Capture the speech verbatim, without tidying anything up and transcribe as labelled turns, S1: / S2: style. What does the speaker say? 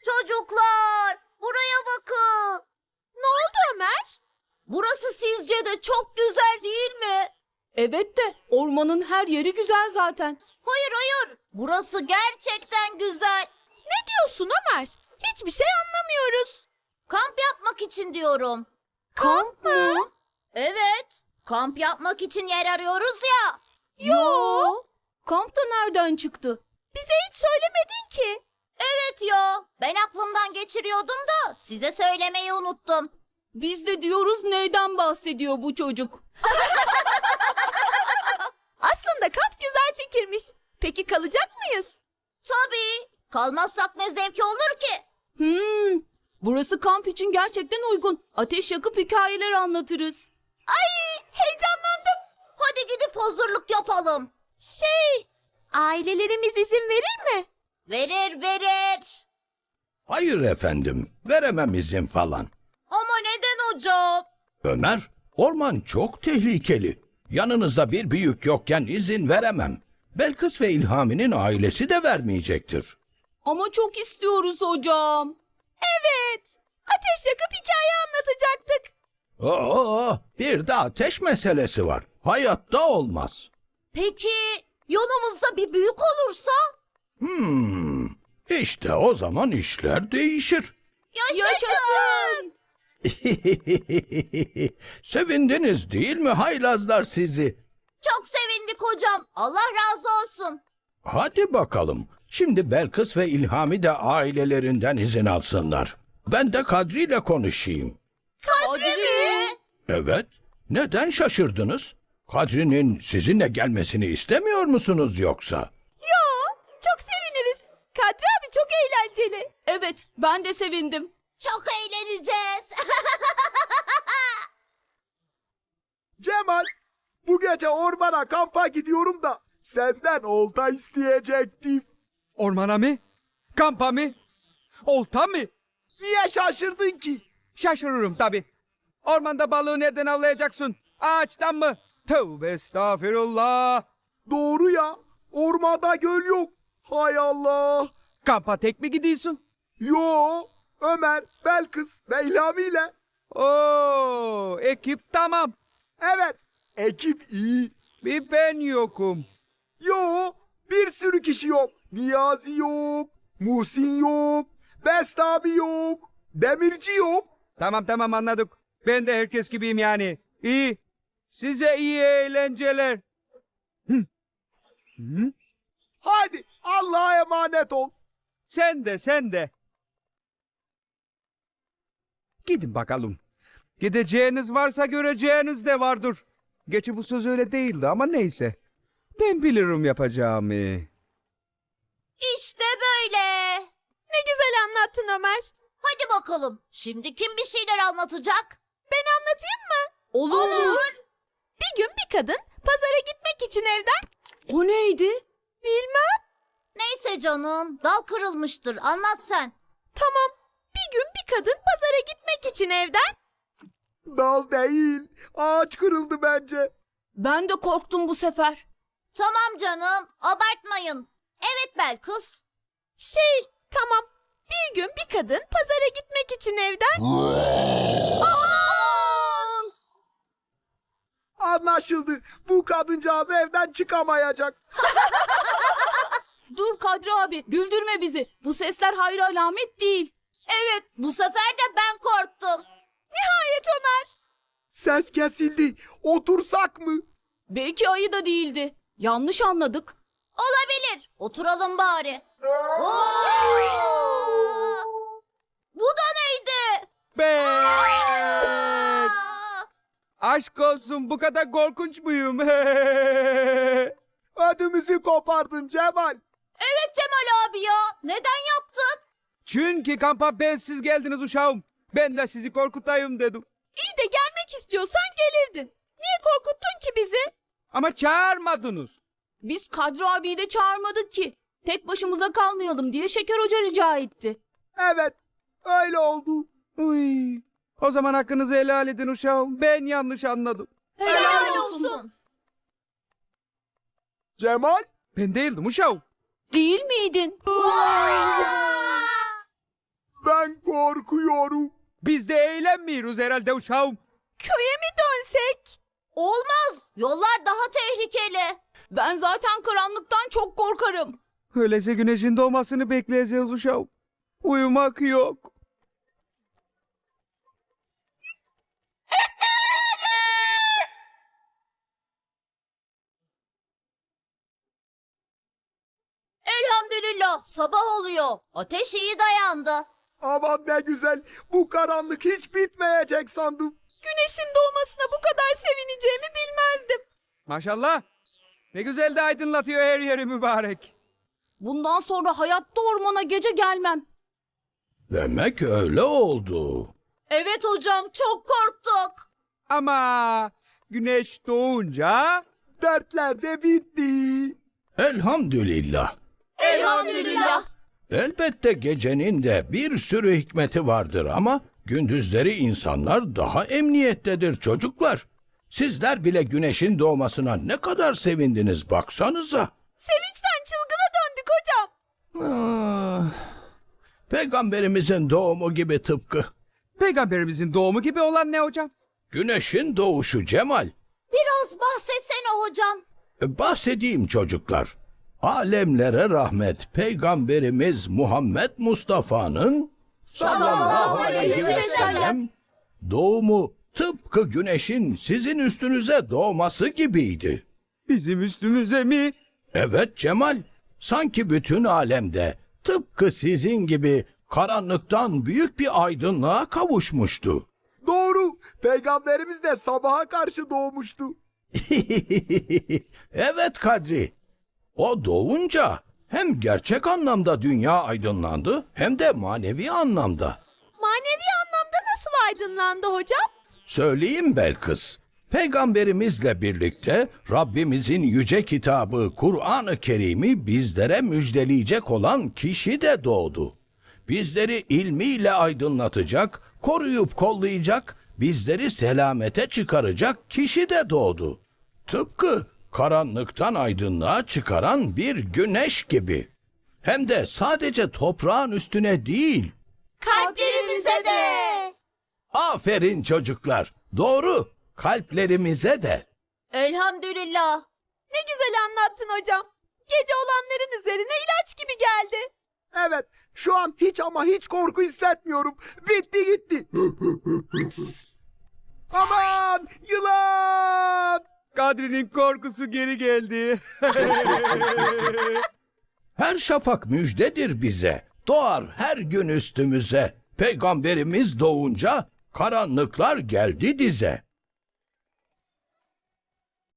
S1: Çocuklar, buraya bakın.
S2: Ne oldu Ömer?
S1: Burası sizce de çok güzel değil mi?
S3: Evet de ormanın her yeri güzel zaten.
S1: Hayır hayır, burası gerçekten güzel.
S2: Ne diyorsun Ömer? Hiçbir şey anlamıyoruz.
S1: Kamp yapmak için diyorum.
S3: Kamp mı?
S1: Evet, kamp yapmak için yer arıyoruz ya.
S3: Yo. Kamp da nereden çıktı?
S2: Bize hiç söylemedin ki.
S1: Evet ya, ben aklımdan geçiriyordum da size söylemeyi unuttum.
S3: Biz de diyoruz neyden bahsediyor bu çocuk?
S2: Aslında kamp güzel fikirmiş. Peki kalacak mıyız?
S1: Tabii, kalmazsak ne zevki olur ki?
S3: Hmm, burası kamp için gerçekten uygun. Ateş yakıp hikayeler anlatırız.
S2: Ay, heyecanlandım.
S1: Hadi gidip hazırlık yapalım.
S2: Şey, ailelerimiz izin verir mi?
S1: Verir verir.
S4: Hayır efendim, veremem izin falan.
S1: Ama neden hocam?
S4: Ömer, orman çok tehlikeli. Yanınızda bir büyük yokken izin veremem. Belkıs ve İlhami'nin ailesi de vermeyecektir.
S3: Ama çok istiyoruz hocam.
S2: Evet. Ateş yakıp hikaye anlatacaktık.
S4: Oo, bir de ateş meselesi var. Hayatta olmaz.
S1: Peki yanımızda bir büyük olursa?
S4: Hmm, işte o zaman işler değişir.
S1: Yaşasın!
S4: Sevindiniz değil mi haylazlar sizi?
S1: Çok sevindik hocam. Allah razı olsun.
S4: Hadi bakalım. Şimdi Belkıs ve İlhami de ailelerinden izin alsınlar. Ben de Kadri ile konuşayım.
S1: Kadri mi?
S4: Evet. Neden şaşırdınız? Kadri'nin sizinle gelmesini istemiyor musunuz yoksa?
S2: Yo, çok seviniriz. Kadri abi çok eğlenceli.
S3: Evet, ben de sevindim.
S1: Çok eğleneceğiz.
S5: Cemal, bu gece ormana kampa gidiyorum da senden olta isteyecektim.
S6: Ormana mı? Kampa mı? Olta mı?
S5: Niye şaşırdın ki?
S6: Şaşırırım tabii. Ormanda balığı nereden avlayacaksın? Ağaçtan mı? Tövbe estağfirullah.
S5: Doğru ya, ormanda göl yok. Hay Allah.
S6: Kampa tek mi gidiyorsun?
S5: Yo, Ömer, Belkıs ve İlhami ile.
S6: Oo, ekip tamam.
S5: Evet, ekip iyi.
S6: Bir ben yokum.
S5: Yo, bir sürü kişi yok. Niyazi yok, Muhsin yok, Best abi yok, Demirci yok.
S6: Tamam tamam anladık. Ben de herkes gibiyim yani. İyi. Size iyi eğlenceler.
S5: Hadi Allah'a emanet ol.
S6: Sen de sen de. Gidin bakalım. Gideceğiniz varsa göreceğiniz de vardır. Geçi bu söz öyle değildi ama neyse. Ben bilirim yapacağımı.
S1: İşte böyle.
S2: Ne güzel anlattın Ömer.
S1: Hadi bakalım. Şimdi kim bir şeyler anlatacak?
S2: Ben anlatayım mı?
S3: Olur.
S2: Bir gün bir kadın pazara gitmek için evden...
S3: O neydi?
S2: Bilmem.
S1: Neyse canım. Dal kırılmıştır. Anlat sen.
S2: Tamam. Bir gün bir kadın pazara gitmek için evden...
S5: Dal değil, ağaç kırıldı bence.
S3: Ben de korktum bu sefer.
S1: Tamam canım. Abartmayın. Evet Belkıs.
S2: Şey, tamam. Bir gün bir kadın pazara gitmek için evden...
S5: Anlaşıldı. Bu kadıncağız evden çıkamayacak.
S3: Dur Kadri abi, güldürme bizi. Bu sesler hayır alamet değil.
S1: Evet, bu sefer de ben korktum.
S2: Nihayet Ömer.
S5: Ses kesildi. Otursak mı?
S3: Belki ayı da değildi. Yanlış anladık.
S1: Olabilir. Oturalım bari. Oo! Bu da neydi?
S6: Ben.
S1: Aa!
S6: Aşk olsun bu kadar korkunç muyum?
S5: Ödümüzü kopardın Cemal.
S1: Evet Cemal abi ya. Neden yaptın?
S6: Çünkü kampa bensiz geldiniz uşağım. Ben de sizi korkutayım dedim.
S2: İyi de gelmek istiyorsan gelirdin. Niye korkuttun ki bizi?
S6: Ama çağırmadınız.
S3: Biz Kadri abiyi de çağırmadık ki. Tek başımıza kalmayalım diye Şeker Hoca rica etti.
S5: Evet, öyle oldu.
S6: Uy. O zaman hakkınızı helal edin uşağım. Ben yanlış anladım.
S1: Helal olsun.
S5: Cemal,
S6: Ben değildim uşağım.
S3: Değil miydin?
S1: Aa!
S5: Ben korkuyorum.
S6: Biz de eğlenmiyoruz herhalde uşağım.
S2: Köye mi dönsek?
S1: Olmaz. Yollar daha tehlikeli.
S3: Ben zaten karanlıktan çok korkarım.
S6: Öyleyse güneşin doğmasını bekleyeceğiz uşağım. Uyumak yok.
S1: Elhamdülillah sabah oluyor. Ateş iyi dayandı.
S5: Aman ne güzel. Bu karanlık hiç bitmeyecek sandım.
S2: Güneşin doğmasına bu kadar sevineceğimi bilmezdim.
S6: Maşallah. Ne güzel de aydınlatıyor her yeri mübarek.
S3: Bundan sonra hayatta ormana gece gelmem.
S4: Demek öyle oldu.
S1: Evet hocam çok korktuk.
S6: Ama güneş doğunca
S5: Dertler de bitti.
S4: Elhamdülillah.
S1: Elhamdülillah.
S4: Elbette gecenin de bir sürü hikmeti vardır ama gündüzleri insanlar daha emniyettedir çocuklar. Sizler bile güneşin doğmasına ne kadar sevindiniz baksanıza.
S2: Sevinçten çılgına döndük hocam.
S4: Ah, Peygamberimizin doğumu gibi tıpkı.
S6: peygamberimizin doğumu gibi olan ne hocam?
S4: Güneşin doğuşu Cemal.
S1: Biraz bahsetsene hocam.
S4: E, Bahsedeyim çocuklar. Alemlere rahmet Peygamberimiz Muhammed Mustafa'nın sallallahu aleyhi ve sellem doğumu tıpkı güneşin sizin üstünüze doğması gibiydi.
S6: Bizim üstümüze mi?
S4: Evet Cemal, sanki bütün alemde tıpkı sizin gibi karanlıktan büyük bir aydınlığa kavuşmuştu.
S5: Doğru. Peygamberimiz de sabaha karşı doğmuştu.
S4: Evet Kadri, o doğunca hem gerçek anlamda dünya aydınlandı hem de manevi anlamda.
S2: Manevi anlamda nasıl aydınlandı hocam?
S4: Söyleyeyim Belkıs. Peygamberimizle birlikte Rabbimizin yüce kitabı Kur'an-ı Kerim'i bizlere müjdeleyecek olan kişi de doğdu. Bizleri ilmiyle aydınlatacak, koruyup kollayacak, bizleri selamete çıkaracak kişi de doğdu. Tıpkı karanlıktan aydınlığa çıkaran bir güneş gibi. Hem de sadece toprağın üstüne değil.
S1: Kalplerimize de.
S4: Aferin çocuklar. Doğru. Kalplerimize de.
S1: Elhamdülillah.
S2: Ne güzel anlattın hocam. Gece olanların üzerine ilaç gibi geldi.
S5: Evet. Şu an hiç ama hiç korku hissetmiyorum. Bitti gitti. Aman yılan.
S6: Kadri'nin korkusu geri geldi.
S4: Her şafak müjdedir bize. Doğar her gün üstümüze. Peygamberimiz doğunca karanlıklar geldi dize.